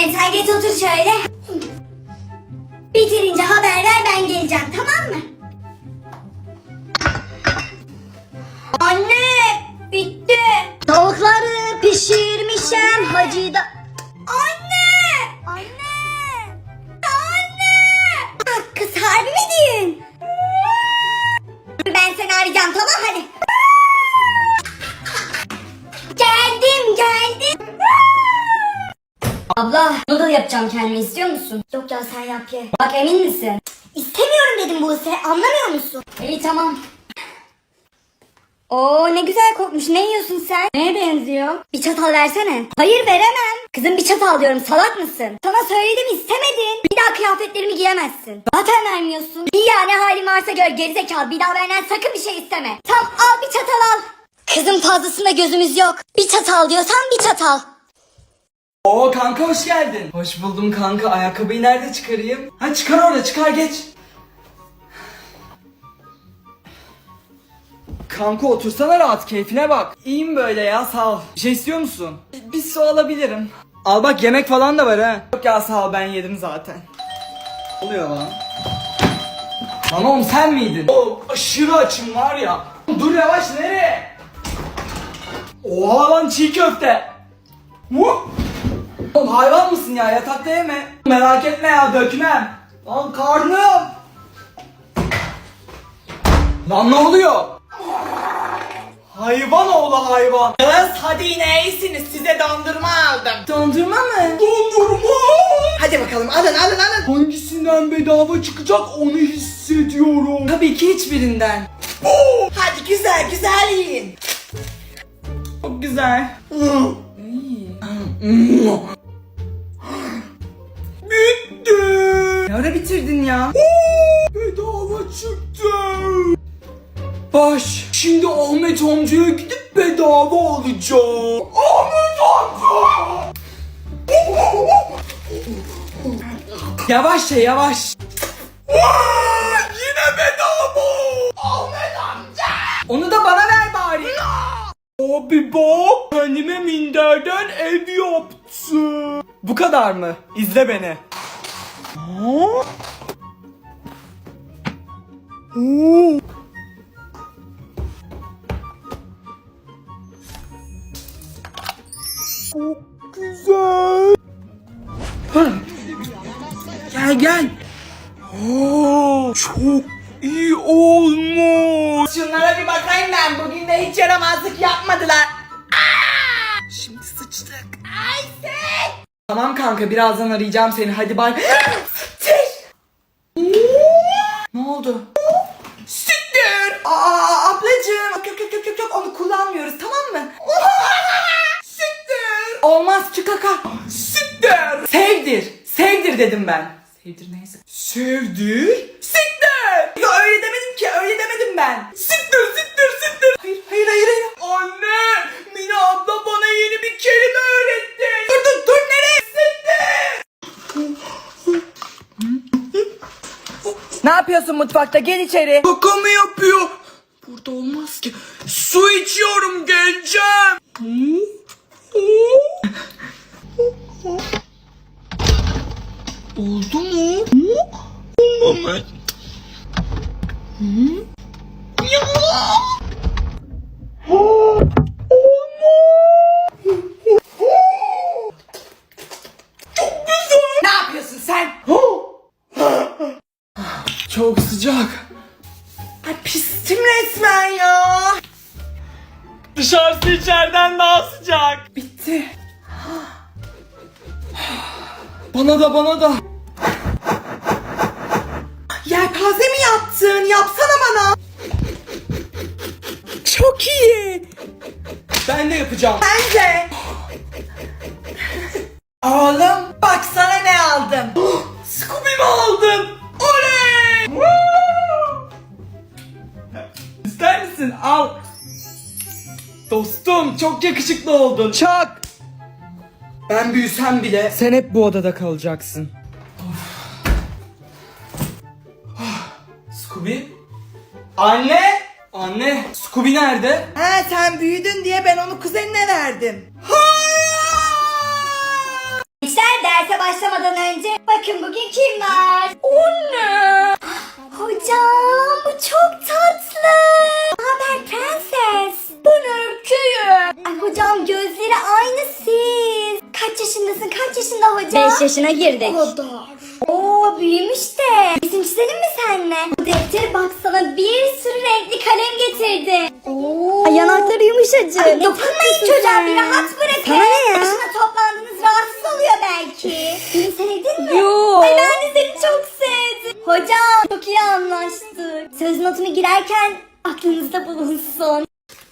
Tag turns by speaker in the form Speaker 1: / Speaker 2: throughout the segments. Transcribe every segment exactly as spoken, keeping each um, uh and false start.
Speaker 1: Aynen, sen geç otur şöyle. Bitirince haber ver, ben geleceğim, tamam mı? Anne, bitti. Tavukları pişirmişim hacı da... Anne! Anne! Anne! Ah, kız harbi mi diyorsun? Ben seni arayacağım, tamam hadi. Geldim geldim. Abla, noodle yapacağım kendime, istiyor musun? Yok ya, sen yap ye. Bak, emin misin? İstemiyorum dedim Buse, anlamıyor musun? İyi tamam. Oo, ne güzel kokmuş. Ne yiyorsun sen? Neye benziyor? Bir çatal versene. Hayır, veremem. Kızım, bir çatal diyorum, salak mısın? Sana söyledim, istemedin. Bir daha kıyafetlerimi giyemezsin. Zaten vermiyorsun. İyi ya, ne halin varsa gör gerizekalı. Bir daha benden sakın bir şey isteme. Tam al, bir çatal al. Kızım, fazlasında gözümüz yok. Bir çatal diyorsan bir çatal.
Speaker 2: Oo kanka, hoş geldin. Hoş buldum kanka. Ayakkabıyı nerede çıkarayım? Ha, çıkar orada, çıkar, geç. Kanka otursana rahat, keyfine bak. İyiyim böyle ya, sağ ol. Bir şey istiyor musun? Bir su alabilirim. Al bak, yemek falan da var ha. Yok ya, sağ ol, ben yedim zaten. Ne oluyor lan? Lan oğlum, sen miydin? Oğlum aşırı açım var ya. Dur yavaş, nereye? Oha lan, çiğ köfte. Mu? Oğlum hayvan mısın ya, yatakta yeme. Merak etme ya, dökmem. Lan karnım. Lan ne oluyor? Hayvan oğlu hayvan.
Speaker 3: Kız hadi yine iyisiniz, size dondurma aldım.
Speaker 2: Dondurma mı? Dondurma.
Speaker 3: Hadi bakalım, alın alın alın.
Speaker 2: Hangisinden bedava çıkacak onu hissediyorum. Tabii ki hiçbirinden.
Speaker 3: Hadi güzel güzel yiyin.
Speaker 2: Çok güzel. Bitti. Ne ara bitirdin ya? Bedava çıktı. Baş. Şimdi Ahmet amcaya gidip bedava alacağım. Ahmet amca. Yavaş ya, yavaş. Yine bedava. Ahmet amca. Onu da bana ver bari. Abi bak, kendime minderden ev yaptım. Bu kadar mı? İzle beni. Oo. Çok güzel. Gel gel. Oo, çok iyi olmuş.
Speaker 3: Şunlara bir bakayım ben, bugün de hiç yaramazlık yapmadılar. Aa! Şimdi sıçtık. Ayşe!
Speaker 2: Tamam kanka, birazdan arayacağım seni, hadi bay. Ne oldu?
Speaker 3: Siktir! Aa ablacığım, yok yok yok yok yok, onu kullanmıyoruz, tamam mı? Siktir!
Speaker 2: Olmaz, çık kaka. Siktir. Sevdir. Sevdir dedim ben. Sevdir neyse. Sevdir.
Speaker 3: Siktir! Ya öyle demedim ki, öyle demedim ben. Siktir siktir siktir! Hayır hayır hayır hayır.
Speaker 2: Anne, Mina abla bana yeni bir kelime öğretti.
Speaker 3: Dur dur dur, nereye? Siktir!
Speaker 2: Ne yapıyorsun mutfakta? Gel içeri. Kaka mı yapıyor? Burada olmaz ki. Su içiyorum, geleceğim. Oldu mu? Olmamış.
Speaker 3: Ne yapıyorsun sen?
Speaker 2: Çok sıcak.
Speaker 3: Ay pistim resmen ya.
Speaker 2: Dışarısı içeriden daha sıcak. Bitti. Bana da, bana da.
Speaker 3: Yelpaze mi yaptın? Yapsana bana.
Speaker 2: Çok iyi. Ben de yapacağım.
Speaker 3: Bence. Oğlum bak sana ne aldım.
Speaker 2: Scooby'mi aldım. Oley! İster misin? Al. Dostum, çok yakışıklı oldun. Çak. Ben büyüsem bile sen hep bu odada kalacaksın. Scooby? Anne! Anne, Scooby nerede?
Speaker 3: Ha, sen büyüdün diye ben onu kuzenine verdim.
Speaker 1: Gençler, derse başlamadan önce bakın bugün kim var? Anne. Hocam bu çok tatlı. Ne haber prenses? Ben erkeğim. Ay hocam gözleri aynı siz. Kaç yaşındasın? Kaç yaşında hocam? Beş yaşına girdik. O kadar. Oo büyümüş de. Resim çizelim mi senle? Bu deftere baksana bir sürü renkli kalem getirdi. Oo. Ay yanakları yumuşacık. Ay, dokunmayın çocuğa bir rahat bırakın. Sana ne ya? Başına toplandınız rahatsız oluyor belki. Beni sevdin mi? Yok. Ay ben de seni çok sevdim. Hocam çok iyi anlaştık. Söz notumu girerken aklınızda bulunsun.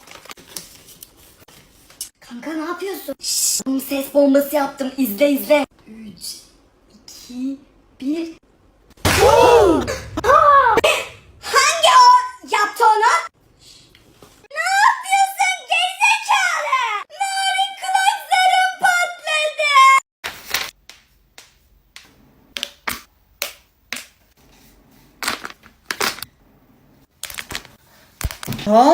Speaker 1: Kanka ne yapıyorsun? Şşş, ses bombası yaptım. İzle izle. üç, iki, bir. Hangi o yaptı onu? Ne yapıyorsun gerizekalı? Narin kulaklarım patladı.
Speaker 2: Ha?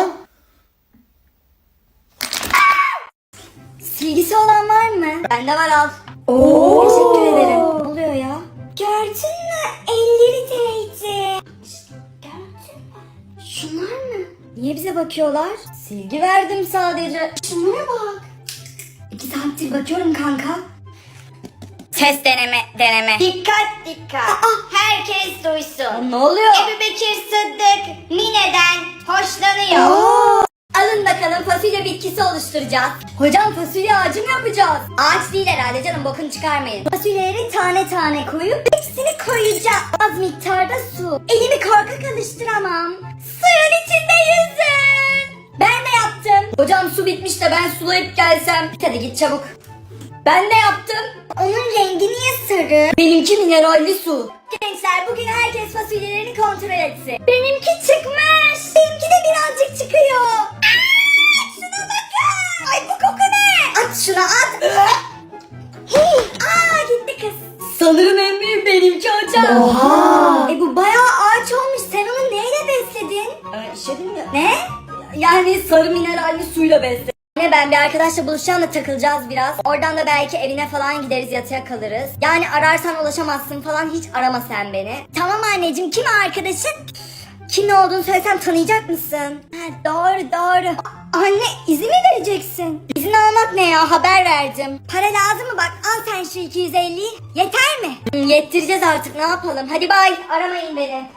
Speaker 1: Silgisi olan var mı? Bende var al. Oo. Teşekkür ederim. Ne oluyor ya? Gördün mü? Elleri değdi. Gördün mü? Şunlar mı? Niye bize bakıyorlar? Silgi verdim sadece. Şunlara bak. İki saattir bakıyorum kanka. Ses deneme deneme. Dikkat dikkat. Aa, herkes duysun. Ne oluyor? Ebu Bekir Sıddık Mine'den hoşlanıyor. Oo. Alın bakalım fasulye bitkisi oluşturacağız. Hocam fasulye ağacı mı yapacağız? Ağaç değil herhalde canım bokunu çıkarmayın. Fasulyeleri tane tane koyup hepsini koyacağım. Az miktarda su. Elimi korkak alıştıramam. Suyun içinde yüzün. Ben de yaptım. Hocam su bitmiş de ben sulayıp gelsem. Hadi git çabuk. Ben de yaptım. Onun rengi niye sarı? Benimki mineralli su. Gençler bugün herkes fasulyelerini kontrol etsin. Benimki çıkmış. Benimki de birazcık çıkıyor. Aa, şuna bakın. Ay bu koku ne? At şuna at. Hey, aa gitti kız. Sanırım en büyük benimki hocam. Oha. E bu bayağı ağaç olmuş. Sen onu neyle besledin? Ee, işedim ya. Ne? Yani sarı mineralli suyla besledim. Anne ben bir arkadaşla buluşacağım da takılacağız biraz. Oradan da belki evine falan gideriz yatıya kalırız. Yani ararsan ulaşamazsın falan hiç arama sen beni. Tamam anneciğim kim arkadaşın? Kim ne olduğunu söylesem tanıyacak mısın? Ha, doğru doğru. A- anne izin mi vereceksin? İzin almak ne ya haber verdim. Para lazım mı bak al sen şu iki yüz elliyi. Yeter mi? Hı, yettireceğiz artık ne yapalım. Hadi bay aramayın beni.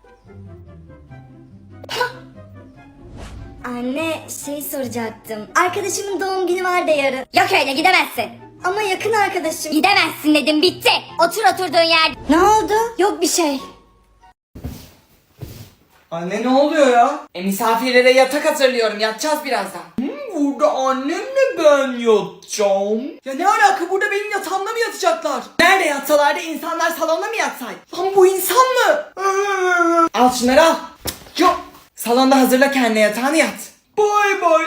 Speaker 1: Anne şey soracaktım. Arkadaşımın doğum günü var da yarın. Yok öyle gidemezsin. Ama yakın arkadaşım. Gidemezsin dedim bitti. Otur oturduğun yer. Ne oldu? Yok bir şey.
Speaker 2: Anne ne oluyor ya?
Speaker 3: E misafirlere yatak hazırlıyorum. Yatacağız birazdan.
Speaker 2: Burada annemle ben yatacağım. Ya ne alaka burada benim yatağımda mı yatacaklar?
Speaker 3: Nerede yatsalardı insanlar salonda mı yatsaydı?
Speaker 2: Lan bu insan mı?
Speaker 3: Al şunları al. Yok. Salonda hazırla kendine yatağını yat.
Speaker 2: Bay bay.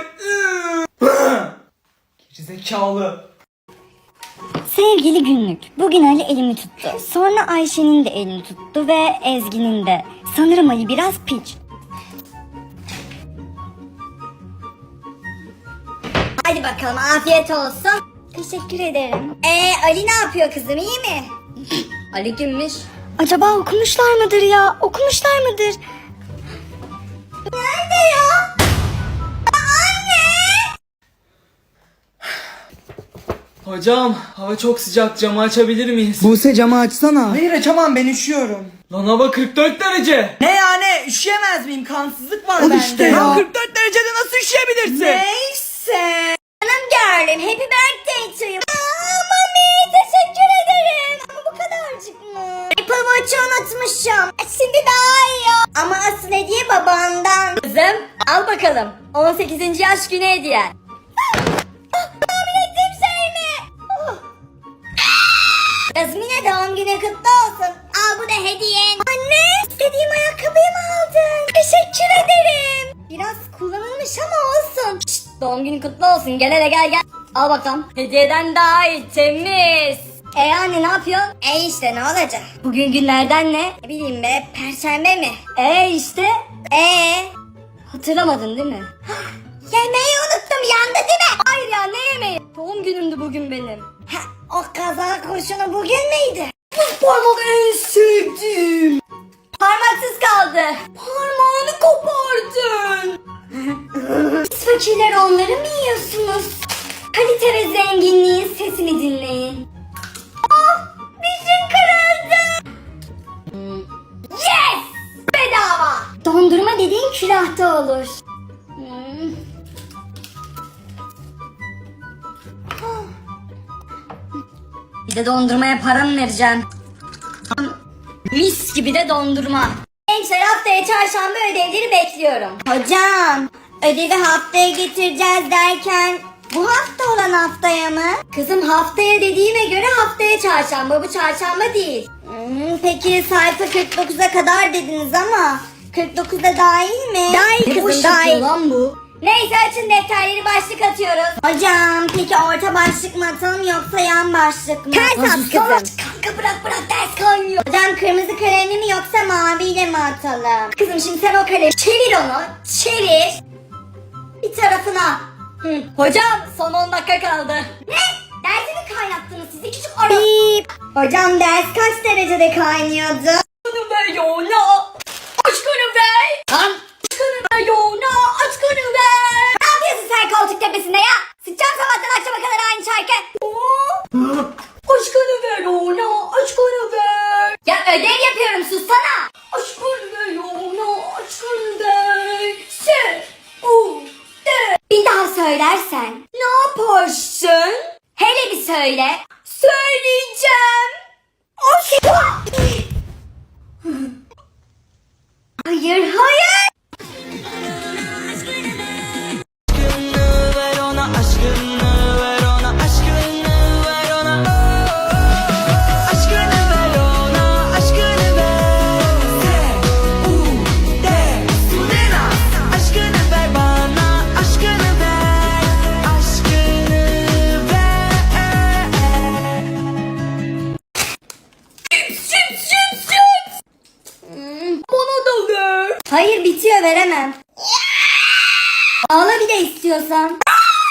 Speaker 2: Gerizekalı.
Speaker 1: Sevgili günlük. Bugün Ali elimi tuttu. Sonra Ayşe'nin de elini tuttu ve Ezgi'nin de. Sanırım Ali biraz piç. Hadi bakalım afiyet olsun. Teşekkür ederim. Ee Ali ne yapıyor kızım iyi mi? Ali kimmiş? Acaba okumuşlar mıdır ya? Okumuşlar mıdır? Nerede ya? Anne!
Speaker 2: Hocam hava çok sıcak camı açabilir miyiz?
Speaker 3: Buse camı açsana. Hayır açamam ben üşüyorum.
Speaker 2: Lan hava kırk dört derece.
Speaker 3: Ne yani üşüyemez miyim? Kansızlık var
Speaker 2: Al
Speaker 3: bende.
Speaker 2: işte ya.
Speaker 3: Lan kırk dört derecede nasıl üşüyebilirsin?
Speaker 1: Neyse. Canım girl'im happy birthday to you. Aa, mami teşekkür ederim. Ama bu kadarcık mı? Apple Watch'ı unutmuşum. Şimdi daha iyi. Ama asıl hediye babandan. Kızım al bakalım. on sekizinci yaş günü hediyen. Tahmin ettiğim şey mi? Yazmine doğum günü kutlu olsun. Al bu da hediyen. Anne istediğim ayakkabıyı mı aldın? Teşekkür ederim. Biraz kullanılmış ama olsun. Şşt, doğum günü kutlu olsun. Gel hele gel gel. Al bakalım. Hediyeden daha iyi temiz. E anne ne yapıyorsun? E işte ne olacak? Bugün günlerden ne? Ne bileyim be perşembe mi? E işte. E hatırlamadın değil mi? Yemeği unuttum yandı değil mi? Hayır ya ne yemeği? Doğum günümdü bugün benim. Ha, o kaza kurşunu bugün müydü? Bu parmak en sevdiğim. Parmaksız kaldı. Parmağını kopardın. Siz fakirler onları mı yiyorsunuz? Kalite ve zenginliğin sesini dinleyin. Ah, dişim kırıldı. Yes! Bedava. Dondurma dediğin külahta olur. Hmm. Bir de dondurmaya para mı vereceğim? Mis gibi de dondurma. Gençler haftaya çarşamba ödevleri bekliyorum. Hocam ödevi haftaya getireceğiz derken bu hafta olan haftaya mı? Kızım haftaya dediğime göre haftaya çarşamba, bu çarşamba değil. Hmm, peki sayfa kırk dokuza kadar dediniz ama kırk dokuzda dahil mi? Dahil kızım dahil. Lan bu. Neyse açın defterleri, başlık atıyoruz. Hocam peki orta başlık mı atalım yoksa yan başlık mı? Ters at kızım. Kanka bırak bırak ders kaynıyor. Hocam kırmızı kalemli mi yoksa maviyle mi atalım? Kızım şimdi sen o kalemi çevir onu. Çevir. Bir tarafına. Hı. Hocam son on dakika kaldı. Ne? Dersi mi kaynattınız siz iki küçük ara? Hocam ders kaç derecede kaynıyordu? Aşkını ver yoğuna. Aşkını ver. Lan. Aşkını ver yoğuna. Aşkını ver. Ne yapıyorsun sen koltuk tepesinde ya? Sıçacağım sabahtan akşama kadar aynı şarkı. Aşkını ver yoğuna. Aşkını ver. Ya ödev yapıyorum sussana. Aşkını ver yoğuna. Aşkını ver. Sen. U. Bir daha söylersen ne yaparsın? Hele bir söyle. Söyleyeceğim. O Hayır hayır.
Speaker 3: Aşkını ver ona, aşkını ver ona, aşkını ver ona. Aşkını ver ona, aşkını ver. Se, u, de, sudena. Aşkını ver bana, aşkını ver. Aşkını ver. Süt, süt, süt, süt.
Speaker 1: Hmm, bana da ver. Hayır bitiyor, veremem. Ağla bir de istiyorsan.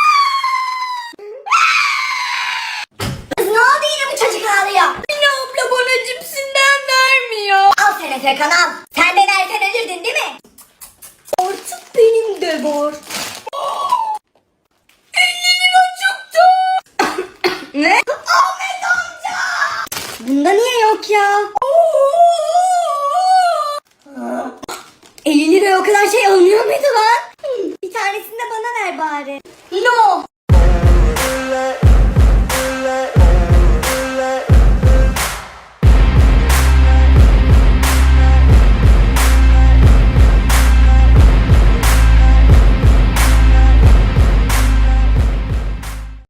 Speaker 1: Kız ne oldu yine bu çocuk ağlıyor? Anne abla bana cipsinden vermiyor. Al sen Efekan al. Sen de versen ölürdün değil mi? Artık benim de var. elli lira çıktı. Ne? Ahmet amca. Bunda niye yok ya? elli liraya o kadar şey alınıyor muydu lan?